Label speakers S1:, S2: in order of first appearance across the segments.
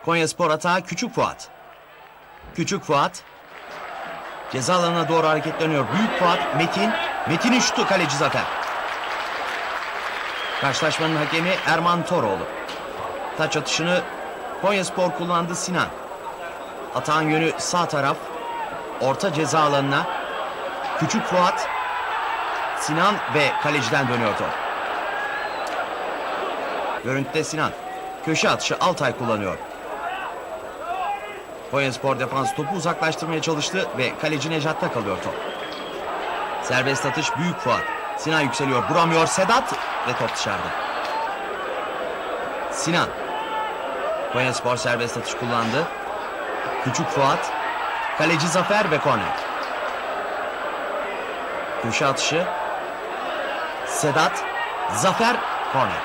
S1: Konyaspor atağı Küçük Fuat. Küçük Fuat. Ceza alanına doğru hareketleniyor. Büyük Fuat, Metin. Metin'in şutu, kaleci Zafer. Karşılaşmanın hakemi Erman Toroğlu. Taç atışını Konyaspor kullandı, Sinan. Atağın yönü sağ taraf. Orta ceza alanına. Küçük Fuat. Sinan ve kaleciden dönüyor top. Görüntüde Sinan. Köşe atışı Altay kullanıyor. Konyaspor defans topu uzaklaştırmaya çalıştı ve kaleci Nejat'ta kalıyor top. Serbest atış Büyük Fuat. Sinan yükseliyor, vuramıyor Sedat ve top dışarıda. Sinan. Konyaspor serbest atış kullandı. Küçük Fuat. Kaleci Zafer ve korner. Köşe atışı. Sedat. Zafer, korner.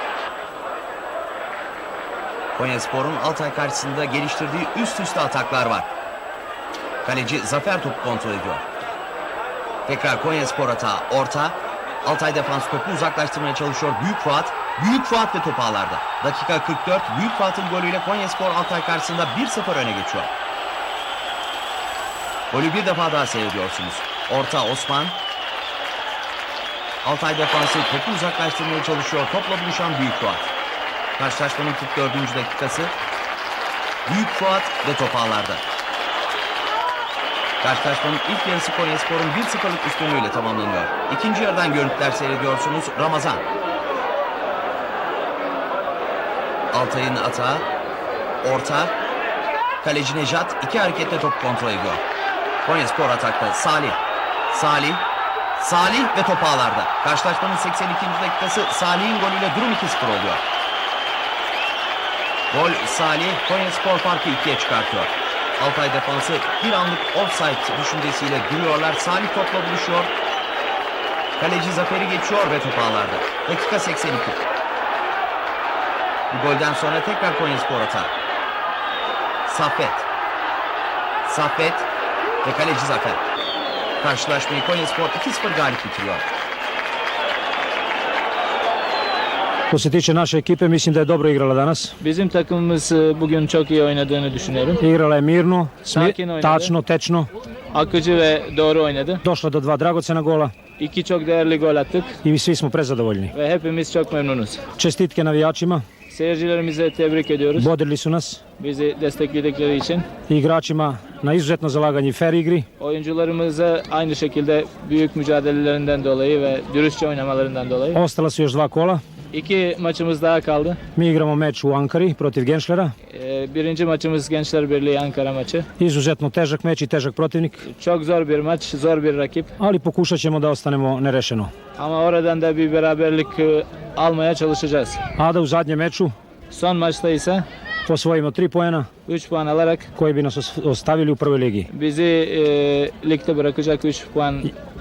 S1: Konyaspor'un Altay karşısında geliştirdiği üst üste ataklar var. Kaleci Zafer topu kontrol ediyor. Tekrar Konyaspor atağı orta. Altay defans topu uzaklaştırmaya çalışıyor. Büyük Fuat. Büyük Fuat ve top ağlarda. Dakika 44. Büyük Fuat'ın golüyle Konyaspor Altay karşısında 1-0 öne geçiyor. Golü bir defa daha seyrediyorsunuz. Orta Osman. Altay defansı topu uzaklaştırmaya çalışıyor. Topla buluşan Büyük Fuat. Karşılaşmanın 44. dakikası. Büyük Fuat ve top ağlarda. Karşılaşmanın ilk yarısı Konyaspor'un 1-0'lık üstünlüğüyle tamamlanıyor. İkinci yarıdan görüntüler seyrediyorsunuz. Ramazan. Altay'ın atağı. Orta. Kaleci Nejat iki hareketle topu kontrol ediyor. Konyaspor atakta Salih. Salih ve top ağlarda. Karşılaşmanın 82. dakikası, Salih'in golüyle durum 2-0 oluyor. Gol Salih, Konyaspor farkı 2'ye çıkartıyor. Altay defansı bir anlık offside düşüncesiyle duruyorlar. Salih topla buluşuyor. Kaleci Zafer'i geçiyor ve top ağlarda. Dakika 82. Bu golden sonra tekrar Konyaspor atağı. Saffet ve kaleci Zafer. Karşılaşmayı Konyaspor 2-0 galip bitiriyor.
S2: Što se tiče naše ekipe, mislim da je dobro igrala danas.
S3: Bizim takımımız bugün çok iyi oynadığını düşünüyorum.
S2: Igrala je mirno,
S3: Sakin oynadı.
S2: tačno, tečno.
S3: Akıcı ve doğru oynadı.
S2: Došla do dva dragocena gola
S3: İki çok değerli gol attık
S2: i svi smo prezadovoljni.
S3: ve hepimiz çok memnunuz.
S2: Čestitke navijačima,
S3: Seyircilerimize tebrik ediyoruz.
S2: bodrili su nas.
S3: Bizi destekledikleri için.
S2: I igračima na izuzetno zalaganje i fair igri.
S3: Oyuncularımıza aynı şekilde büyük mücadelelerinden dolayı ve dürüstçe oynamalarından dolayı.
S2: Ostala su još dva kola.
S3: İki maçımız daha kaldı.
S2: Mi igramo meč u Ankari protiv Genšlera.
S3: Birinci maçımız Gençler Birliği Ankara maçı.
S2: Izuzetno težak meč i težak protivnik,
S3: Çok zor bir maç, zor bir rakip.
S2: ali pokušat ćemo da ostanemo nerešeno.
S3: Ama oradan da bir beraberlik almaya çalışacağız.
S2: A da u zadnjem meču
S3: Son maçta ise
S2: osvojimo 3 poena
S3: 3 puan alarak
S2: koji bi nas ostavili u prvoj ligi.
S3: bizi ligde bırakacak 3 puan